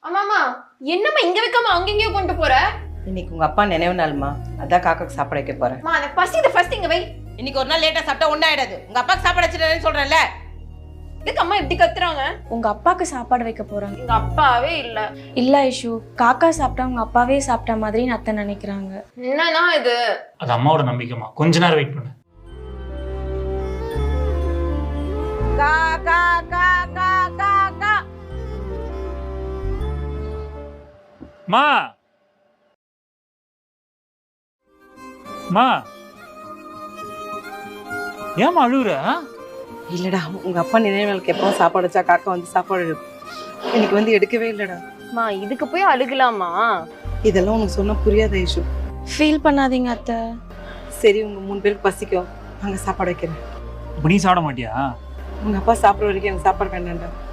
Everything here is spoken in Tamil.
ஆமாமா, என்னம்மா இங்க வைக்காம அங்கெங்கயோ கொண்டு போற? இன்னைக்கு உங்க அப்பா நினைவு நாள்மா, அதான் காக்காக்கு சாப்பாடு வைக்க போறேன். அம்மா அந்த பசித ஃபர்ஸ்ட் இங்க வை. இன்னைக்கு ஒரு நாள் லேட்டா சாப்பிட்டா ஒண்ணாயிடாது. உங்க அப்பாக்கு சாப்பாடு வச்சிட்டேன்னு சொல்றேன்ல. இதுக்கு அம்மா இப்படி கத்துறாங்க? உங்க அப்பாக்கு சாப்பாடு வைக்க போறாங்க. எங்க அப்பாவே இல்ல. இல்ல ஐஷு, காக்கா சாப்பிட்டா உங்க அப்பாவே சாப்பிட்ட மாதிரி அத்தை நினைக்கிறாங்க. என்னன்னா இது? அது அம்மாவோட நம்பிக்கைமா, கொஞ்ச நேரம் வெயிட் பண்ணு. கா கா கா கா கா கா. மா மா ஏமா அழுகுற? இல்லடா, உங்க அப்பா நினைவு நாளுக்கு எப்பவும் சாப்பாடு வச்சா காக்கா வந்து சாப்பாடு எடுக்கும். இன்னைக்கு வந்து எடுக்கவே இல்லடா. அம்மா இதுக்கு போய் அழுகலாமா? இதெல்லாம் உனக்கு சொன்னா புரியாத ஐஷு. ஃபீல் பண்ணாதீங்க அத்தை. சரி, உங்க 3 பேருக்கு பசிக்கும், அங்க சாப்பாடு வைக்கிறேன். இப்ப நீ சாப்பிட மாட்டியா? உங்க அப்பா சாப்பிட்ற வரைக்கும் எனக்கு சாப்பாடு வேண்டாம்டா.